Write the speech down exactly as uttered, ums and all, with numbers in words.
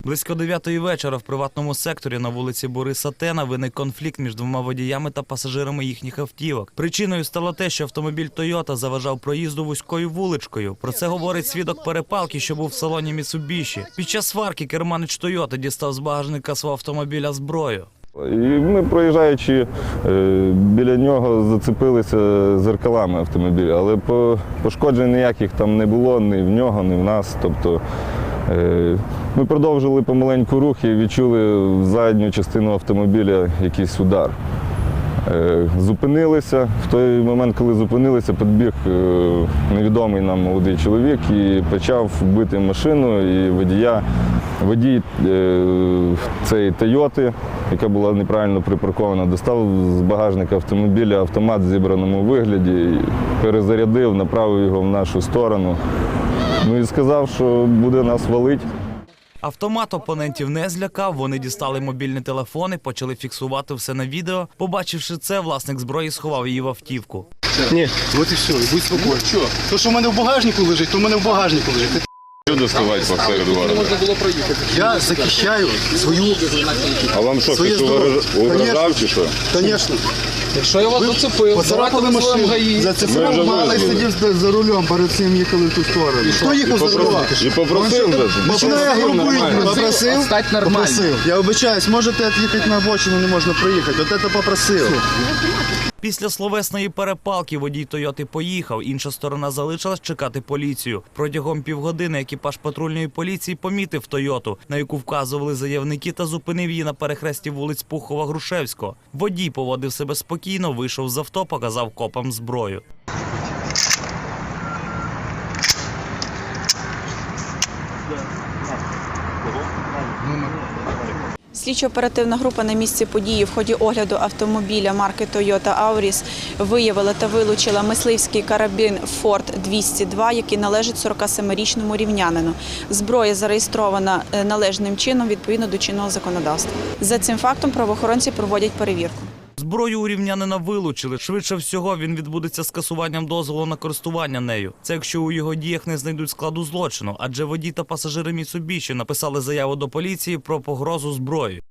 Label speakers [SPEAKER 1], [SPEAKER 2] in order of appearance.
[SPEAKER 1] Близько дев'ятої вечора в приватному секторі на вулиці Бориса Тена виник конфлікт між двома водіями та пасажирами їхніх автівок. Причиною стало те, що автомобіль «Тойота» заважав проїзду вузькою вуличкою. Про це говорить свідок перепалки, що був в салоні «Міцубіші». Під час сварки керманич «Тойоти» дістав з багажника свого автомобіля зброю.
[SPEAKER 2] І ми, проїжджаючи біля нього, зацепилися зеркалами автомобіля, але пошкоджень ніяких там не було, ні в нього, ні в нас. Тобто ми продовжили помаленьку рух і відчули в задню частину автомобіля якийсь удар. Зупинилися. В той момент, коли зупинилися, підбіг невідомий нам молодий чоловік і почав бити машину і водія. Водій цієї «Тойоти», яка була неправильно припаркована, достав з багажника автомобіля автомат в зібраному вигляді, перезарядив, направив його в нашу сторону. Ну і сказав, що буде нас валити.
[SPEAKER 1] Автомат опонентів не злякав, вони дістали мобільні телефони, почали фіксувати все на відео. Побачивши це, власник зброї сховав її в автівку.
[SPEAKER 3] Ні, от і все, будь спокійний. Що? То, що в мене в багажнику лежить, то в мене в багажнику лежить.
[SPEAKER 2] Що доставати посеред города?
[SPEAKER 3] Я захищаю свою
[SPEAKER 2] А вам що,
[SPEAKER 3] своє
[SPEAKER 2] хтось
[SPEAKER 3] здоров'я.
[SPEAKER 2] угрожав чи що?
[SPEAKER 3] Звісно.
[SPEAKER 4] Якщо я вас зацепив,
[SPEAKER 3] Поцарапали машину, зацепив, малий сидів за рулем, перед цим їхали в ту сторону. Хто їхав за рулем?
[SPEAKER 2] І попросив вже?
[SPEAKER 3] Починає групують, попросив,
[SPEAKER 4] стать нормально.
[SPEAKER 3] попросив. Я вибачаюсь, можете їхати на обочину, не можна проїхати. От це попросив.
[SPEAKER 1] Після словесної перепалки водій «Тойоти» поїхав, інша сторона залишилась чекати поліцію. Протягом півгодини екіпаж патрульної поліції помітив «Тойоту», на яку вказували заявники, та зупинив її на перехресті вулиць Пухова-Грушевського. Водій поводив себе спокійно, вийшов з авто, показав копам зброю.
[SPEAKER 5] Слідчо-оперативна група на місці події в ході огляду автомобіля марки Toyota Auris виявила та вилучила мисливський карабін Форд двісті два, який належить сорокасемирічному рівнянину. Зброя зареєстрована належним чином відповідно до чинного законодавства. За цим фактом правоохоронці проводять перевірку.
[SPEAKER 1] Зброю у рівнянина вилучили. Швидше всього, він відбудеться скасуванням дозволу на користування нею. Це якщо у його діях не знайдуть складу злочину, адже водій та пасажири «Міцубіші» написали заяву до поліції про погрозу зброєю.